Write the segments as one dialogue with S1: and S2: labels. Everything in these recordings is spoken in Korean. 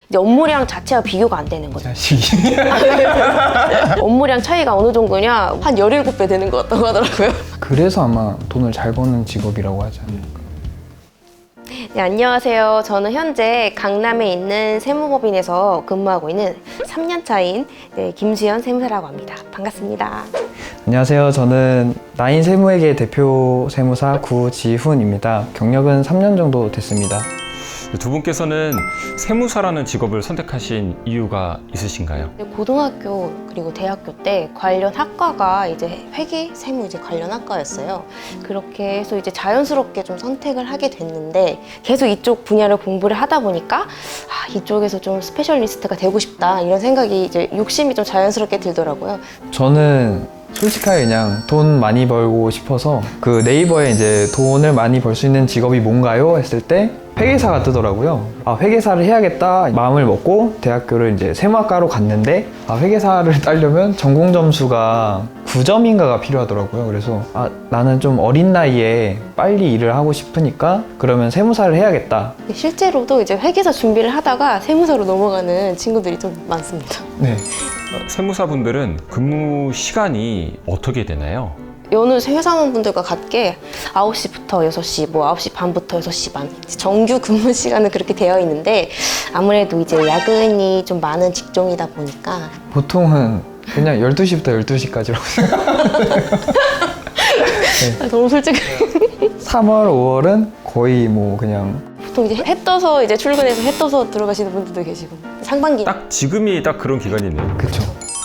S1: 이제 업무량 자체가 비교가 안 되는 거죠.
S2: 자식이.
S1: 업무량 차이가 어느 정도냐? 한 17배 되는 것 같다고 하더라고요.
S2: 그래서 아마 돈을 잘 버는 직업이라고 하지 않을까.
S1: 네, 안녕하세요. 저는 현재 강남에 있는 세무법인에서 근무하고 있는 3년 차인 김수현 세무사라고 합니다. 반갑습니다.
S2: 안녕하세요. 저는 나인 세무회계 대표 세무사 구지훈입니다. 경력은 3년 정도 됐습니다.
S3: 두 분께서는 세무사라는 직업을 선택하신 이유가 있으신가요?
S1: 고등학교 그리고 대학교 때 관련 학과가 이제 회계, 세무 이제 관련 학과였어요. 그렇게 해서 이제 자연스럽게 좀 선택을 하게 됐는데 계속 이쪽 분야를 공부를 하다 보니까 이쪽에서 좀 스페셜리스트가 되고 싶다 이런 생각이 이제 욕심이 좀 자연스럽게 들더라고요.
S2: 저는 솔직하게 그냥 돈 많이 벌고 싶어서 그 네이버에 이제 돈을 많이 벌 수 있는 직업이 뭔가요? 했을 때 회계사가 뜨더라고요. 회계사를 해야겠다 마음을 먹고 대학교를 이제 세무학과로 갔는데 회계사를 따려면 전공 점수가 9점인가가 필요하더라고요. 그래서 나는 좀 어린 나이에 빨리 일을 하고 싶으니까 그러면 세무사를 해야겠다.
S1: 실제로도 이제 회계사 준비를 하다가 세무사로 넘어가는 친구들이 좀 많습니다.
S2: 네.
S3: 세무사분들은 근무 시간이 어떻게 되나요?
S1: 여느 회사원분들과 같게 9시부터 6시, 뭐 9시 반부터 6시 반 정규 근무 시간은 그렇게 되어 있는데 아무래도 이제 야근이 좀 많은 직종이다 보니까
S2: 보통은 그냥 12시부터 12시까지라고 생각해요.
S1: 너무 솔직히
S2: 3월, 5월은 거의 뭐 그냥
S1: 보통 이제 해 떠서 이제 출근해서 해 떠서 들어가시는 분들도 계시고 상반기
S3: 딱 지금이 딱 그런 기간이네요.
S2: 그쵸.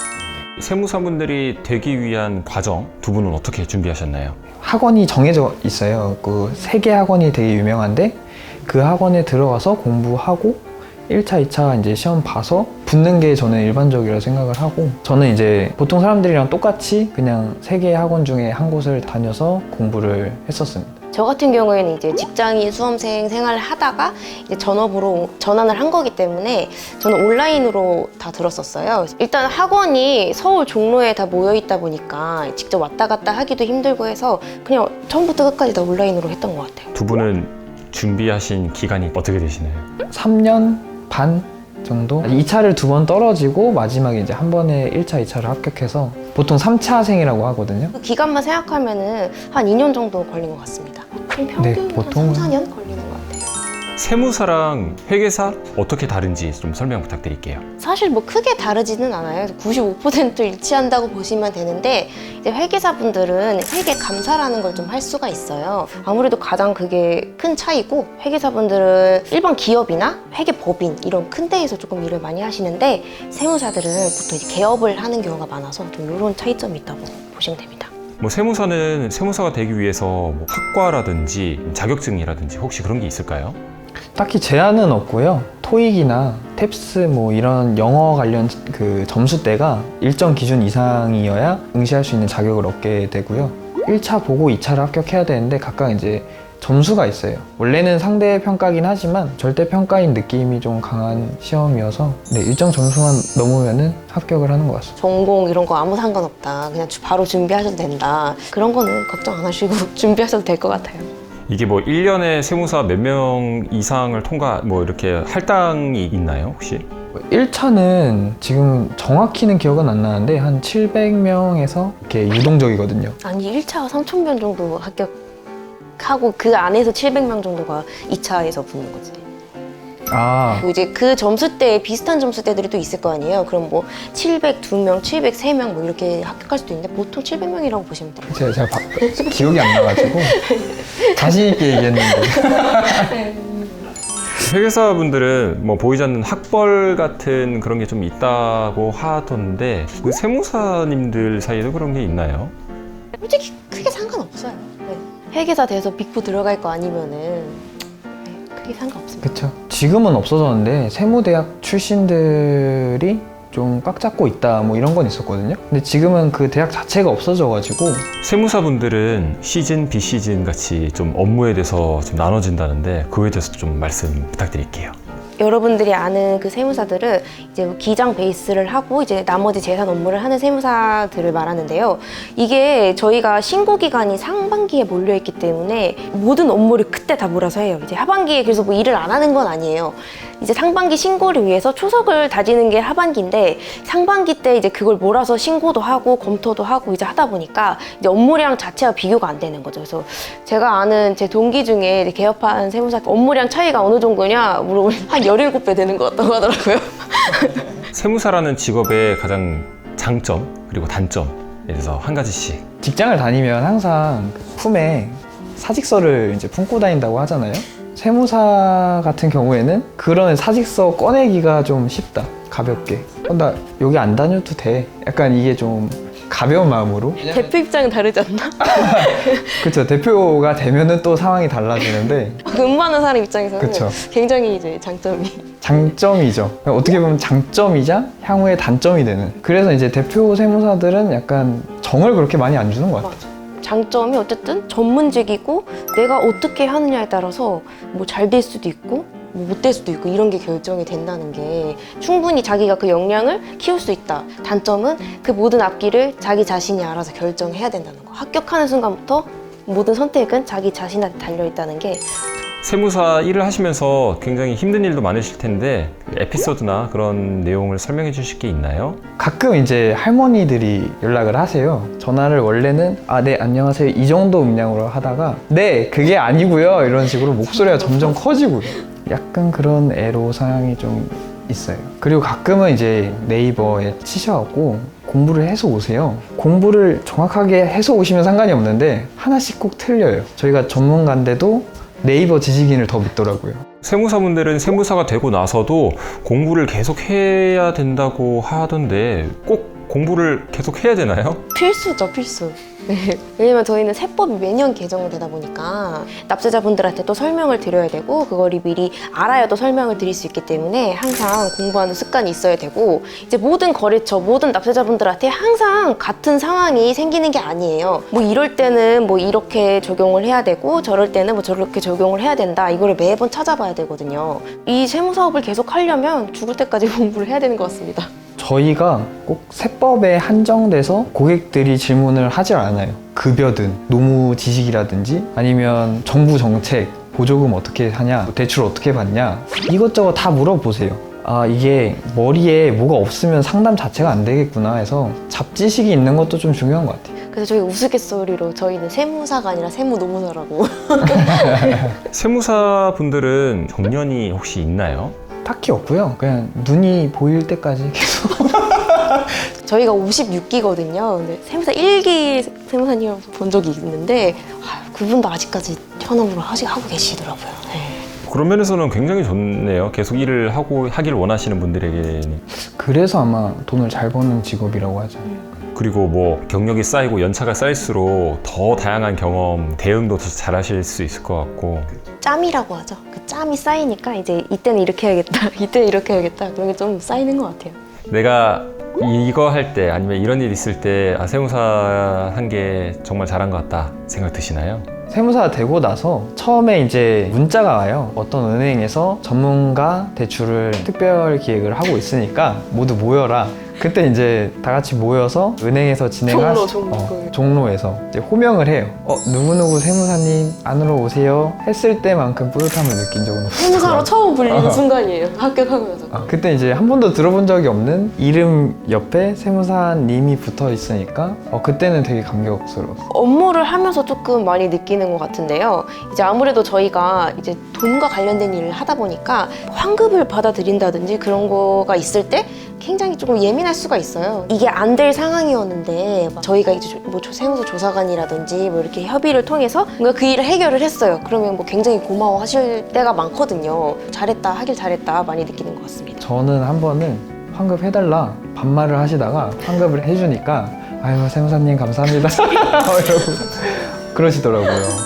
S3: 세무사분들이 되기 위한 과정 두 분은 어떻게 준비하셨나요?
S2: 학원이 정해져 있어요. 그 3개 학원이 되게 유명한데 그 학원에 들어가서 공부하고 1차, 2차 이제 시험 봐서 붙는 게 저는 일반적이라 생각을 하고 저는 이제 보통 사람들이랑 똑같이 그냥 3개의 학원 중에 한 곳을 다녀서 공부를 했었습니다.
S1: 저 같은 경우에는 이제 직장인 수험생 생활을 하다가 이제 전업으로 전환을 한 거기 때문에 저는 온라인으로 다 들었었어요. 일단 학원이 서울 종로에 다 모여 있다 보니까 직접 왔다 갔다 하기도 힘들고 해서 그냥 처음부터 끝까지 다 온라인으로 했던 것 같아요.
S3: 두 분은 준비하신 기간이 어떻게 되시나요?
S2: 3년 반 정도? 2차를 2번 떨어지고 마지막에 이제 한 번에 1차, 2차를 합격해서 보통 3차생이라고 하거든요.
S1: 그 기간만 생각하면은 한 2년 정도 걸린 것 같습니다. 평균
S2: 네,
S1: 한
S2: 보통은
S1: 3, 4년 걸리는 것 같아요.
S3: 세무사랑 회계사 어떻게 다른지 좀 설명 부탁드릴게요.
S1: 사실 뭐 크게 다르지는 않아요. 95% 일치한다고 보시면 되는데 이제 회계사분들은 회계 감사라는 걸 좀 할 수가 있어요. 아무래도 가장 그게 큰 차이고 회계사분들은 일반 기업이나 회계법인 이런 큰 데에서 조금 일을 많이 하시는데 세무사들은 보통 이제 개업을 하는 경우가 많아서 좀 이런 차이점이 있다고 보시면 됩니다.
S3: 뭐 세무사는 세무사가 되기 위해서 뭐 학과라든지 자격증이라든지 혹시 그런 게 있을까요?
S2: 딱히 제한은 없고요. 토익이나 탭스 뭐 이런 영어 관련 그 점수대가 일정 기준 이상이어야 응시할 수 있는 자격을 얻게 되고요. 1차 보고 2차를 합격해야 되는데 각각 이제 점수가 있어요. 원래는 상대 평가긴 하지만 절대 평가인 느낌이 좀 강한 시험이어서 일정 점수만 넘으면은 합격을 하는 것 같습니다.
S1: 전공 이런 거 아무 상관없다. 그냥 바로 준비하셔도 된다. 그런 거는 걱정 안 하시고 준비하셔도 될 것 같아요.
S3: 이게 뭐 1년에 세무사 몇 명 이상을 통과 뭐 이렇게 할당이 있나요 혹시?
S2: 1차는 지금 정확히는 기억은 안 나는데 한 700명에서 이렇게 유동적이거든요.
S1: 아니 1차가 3,000명 정도 합격하고 그 안에서 700명 정도가 2차에서 붙는 거지. 그리고 이제 그 점수대에 비슷한 점수대들이 또 있을 거 아니에요. 그럼 뭐 702명, 703명 뭐 이렇게 합격할 수도 있는데 보통 700명이라고 보시면 돼요.
S2: 제가 기억이 안 나가지고 자신 있게 얘기했는데
S3: 회계사분들은 뭐 보이지 않는 학벌 같은 그런 게 좀 있다고 하던데 그 세무사님들 사이에도 그런 게 있나요?
S1: 솔직히 크게 상관없어요. 회계사 돼서 빅4 들어갈 거 아니면은 크게 상관없습니다.
S2: 그쵸. 지금은 없어졌는데 세무대학 출신들이 좀 꽉 잡고 있다 뭐 이런 건 있었거든요. 근데 지금은 그 대학 자체가 없어져가지고
S3: 세무사분들은 시즌, 비시즌 같이 좀 업무에 대해서 좀 나눠진다는데 그거에 대해서 좀 말씀 부탁드릴게요.
S1: 여러분들이 아는 그 세무사들은 이제 기장 베이스를 하고 이제 나머지 재산 업무를 하는 세무사들을 말하는데요. 이게 저희가 신고 기간이 상반기에 몰려 있기 때문에 모든 업무를 그때 다 몰아서 해요. 이제 하반기에 그래서 뭐 일을 안 하는 건 아니에요. 이제 상반기 신고를 위해서 초석을 다지는 게 하반기인데 상반기 때 이제 그걸 몰아서 신고도 하고 검토도 하고 이제 하다 보니까 이제 업무량 자체와 비교가 안 되는 거죠. 그래서 제가 아는 제 동기 중에 이제 개업한 세무사 업무량 차이가 어느 정도냐 물어보면 한 17배 되는 것 같다고 하더라고요.
S3: 세무사라는 직업의 가장 장점 그리고 단점에 대해서 한 가지씩.
S2: 직장을 다니면 항상 품에 사직서를 이제 품고 다닌다고 하잖아요. 세무사 같은 경우에는 그런 사직서 꺼내기가 좀 쉽다. 가볍게. 나 여기 안 다녀도 돼. 약간 이게 좀 가벼운 마음으로.
S1: 대표 입장은 다르지 않나?
S2: 그렇죠. 대표가 되면은 또 상황이 달라지는데
S1: 근무하는 사람 입장에서는
S2: 그쵸.
S1: 굉장히 이제 장점이
S2: 장점이죠. 어떻게 보면 장점이자 향후의 단점이 되는. 그래서 이제 대표 세무사들은 약간 정을 그렇게 많이 안 주는 것 같아요.
S1: 맞아. 장점이 어쨌든 전문직이고 내가 어떻게 하느냐에 따라서 뭐 잘 될 수도 있고 뭐 못 될 수도 있고 이런 게 결정이 된다는 게 충분히 자기가 그 역량을 키울 수 있다. 단점은 그 모든 앞길을 자기 자신이 알아서 결정해야 된다는 거. 합격하는 순간부터 모든 선택은 자기 자신한테 달려있다는 게
S3: 세무사 일을 하시면서 굉장히 힘든 일도 많으실 텐데 에피소드나 그런 내용을 설명해 주실 게 있나요?
S2: 가끔 이제 할머니들이 연락을 하세요. 전화를 원래는 네 안녕하세요 이 정도 음량으로 하다가 네 그게 아니고요 이런 식으로 목소리가 점점 커지고요. 약간 그런 애로사항이 좀 있어요. 그리고 가끔은 이제 네이버에 치셔갖고 공부를 해서 오세요. 공부를 정확하게 해서 오시면 상관이 없는데 하나씩 꼭 틀려요. 저희가 전문가인데도 네이버 지식인을 더 믿더라고요.
S3: 세무사분들은 세무사가 되고 나서도 공부를 계속 해야 된다고 하던데 꼭 공부를 계속 해야 되나요?
S1: 필수죠, 필수. 네. 왜냐면 저희는 세법이 매년 개정되다 보니까 납세자분들한테 또 설명을 드려야 되고 그거를 미리 알아야 또 설명을 드릴 수 있기 때문에 항상 공부하는 습관이 있어야 되고 이제 모든 거래처, 모든 납세자분들한테 항상 같은 상황이 생기는 게 아니에요. 뭐 이럴 때는 뭐 이렇게 적용을 해야 되고 저럴 때는 뭐 저렇게 적용을 해야 된다. 이거를 매번 찾아봐야 되거든요. 이 세무사업을 계속 하려면 죽을 때까지 공부를 해야 되는 것 같습니다.
S2: 저희가 꼭 세법에 한정돼서 고객들이 질문을 하질 않아요. 급여든 노무 지식이라든지 아니면 정부 정책, 보조금 어떻게 하냐, 대출 어떻게 받냐 이것저것 다 물어보세요. 이게 머리에 뭐가 없으면 상담 자체가 안 되겠구나 해서 잡지식이 있는 것도 좀 중요한 것 같아요.
S1: 그래서 저희 우스갯소리로 저희는 세무사가 아니라 세무노무사라고.
S3: 세무사분들은 정년이 혹시 있나요?
S2: 딱히 없고요. 그냥 눈이 보일 때까지 계속.
S1: 저희가 56기거든요. 근데 세무사 1기 세무사님을 본 적이 있는데 그분도 아직까지 현업으로 하고 계시더라고요. 네.
S3: 그런 면에서는 굉장히 좋네요. 계속 일을 하길 원하시는 분들에게는.
S2: 그래서 아마 돈을 잘 버는 직업이라고 하죠.
S3: 그리고 뭐 경력이 쌓이고 연차가 쌓일수록 더 다양한 경험, 대응도 더 잘하실 수 있을 것 같고.
S1: 짬이라고 하죠. 그 짬이 쌓이니까 이제 이때는 이렇게 해야겠다, 이때는 이렇게 해야겠다 그런 게 좀 쌓이는 것 같아요.
S3: 내가 이거 할 때 아니면 이런 일 있을 때 세무사 한 게 정말 잘한 것 같다 생각 드시나요?
S2: 세무사가 되고 나서 처음에 이제 문자가 와요. 어떤 은행에서 전문가 대출을 특별 기획을 하고 있으니까 모두 모여라. 그때 이제 다 같이 모여서 은행에서 종로에서 이제 호명을 해요. 누구누구 세무사님 안으로 오세요 했을 때만큼 뿌듯함을 느낀 적은 없어요.
S1: 세무사로 처음 불리는 순간이에요. 합격하고 나서.
S2: 그때 이제 한 번도 들어본 적이 없는 이름 옆에 세무사님이 붙어 있으니까 그때는 되게 감격스러웠어요.
S1: 업무를 하면서 조금 많이 느끼는 것 같은데요. 이제 아무래도 저희가 이제 돈과 관련된 일을 하다 보니까 환급을 받아들인다든지 그런 거가 있을 때 굉장히 조금 예민할 수가 있어요. 이게 안 될 상황이었는데 저희가 이제 뭐 세무서 조사관이라든지 뭐 이렇게 협의를 통해서 뭔가 그 일을 해결을 했어요. 그러면 뭐 굉장히 고마워하실 때가 많거든요. 잘했다, 하길 잘했다 많이 느끼는 것 같습니다.
S2: 저는 한 번은 환급 해달라 반말을 하시다가 환급을 해주니까 아유 세무사님 감사합니다 이러고 그러시더라고요.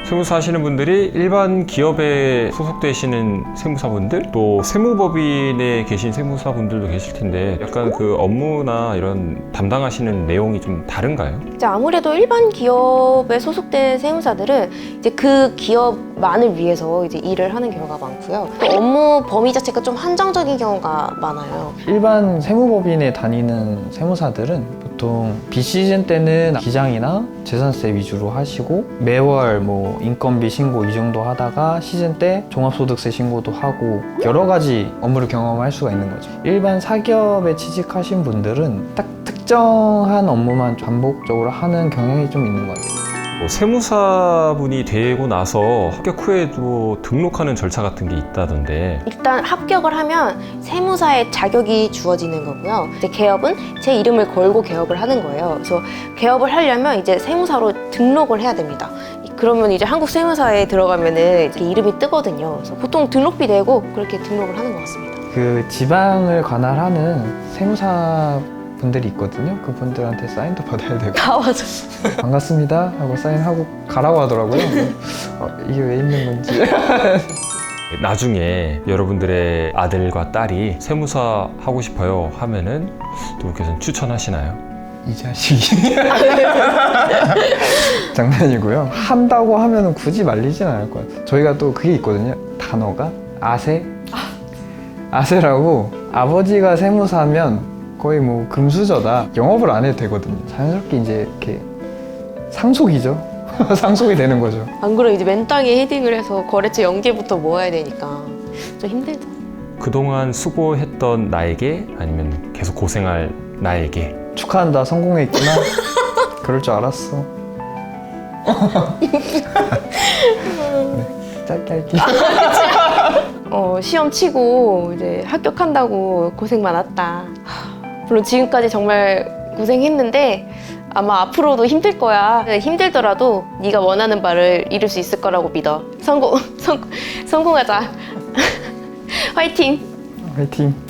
S3: 세무사 하시는 분들이 일반 기업에 소속되시는 세무사분들, 또 세무법인에 계신 세무사분들도 계실 텐데 약간 그 업무나 이런 담당하시는 내용이 좀 다른가요?
S1: 이제 아무래도 일반 기업에 소속된 세무사들은 이제 그 기업만을 위해서 이제 일을 하는 경우가 많고요. 또 업무 범위 자체가 좀 한정적인 경우가 많아요.
S2: 일반 세무법인에 다니는 세무사들은 보통 비시즌 때는 기장이나 재산세 위주로 하시고 매월 뭐 인건비 신고 이 정도 하다가 시즌 때 종합소득세 신고도 하고 여러 가지 업무를 경험할 수가 있는 거죠. 일반 사기업에 취직하신 분들은 딱 특정한 업무만 반복적으로 하는 경향이 좀 있는 것 같아요.
S3: 뭐 세무사분이 되고 나서 합격 후에도 등록하는 절차 같은 게 있다던데
S1: 일단 합격을 하면 세무사의 자격이 주어지는 거고요. 이제 개업은 제 이름을 걸고 개업을 하는 거예요. 그래서 개업을 하려면 이제 세무사로 등록을 해야 됩니다. 그러면 이제 한국 세무사에 들어가면은 이렇게 이름이 뜨거든요. 그래서 보통 등록비 내고 그렇게 등록을 하는 것 같습니다.
S2: 그 지방을 관할하는 세무사 분들이 있거든요. 그분들한테 사인도 받아야 되고
S1: 다 맞아.
S2: 반갑습니다 하고 사인하고 가라고 하더라고요. 이게 왜 있는 건지.
S3: 나중에 여러분들의 아들과 딸이 세무사 하고 싶어요 하면은 두 분께서는 추천하시나요?
S2: 이 자식이. 장난이고요. 한다고 하면 굳이 말리진 않을 것 같아요. 저희가 또 그게 있거든요. 단어가 아세. 아세라고 아버지가 세무사면 거의 뭐 금수저다. 영업을 안 해도 되거든요. 자연스럽게 이제 이렇게 상속이죠. 상속이 되는 거죠.
S1: 안 그러면 이제 맨땅에 헤딩을 해서 거래처 연계부터 모아야 되니까 좀 힘들죠.
S3: 그동안 수고했던 나에게 아니면 계속 고생할 나에게
S2: 축하한다. 성공했구나. 그럴 줄 알았어. 네, 짧게 할게요.
S1: 시험 치고 이제 합격한다고 고생 많았다. 물론 지금까지 정말 고생했는데 아마 앞으로도 힘들 거야. 힘들더라도 네가 원하는 바를 이룰 수 있을 거라고 믿어. 성공하자. 화이팅!
S2: 화이팅.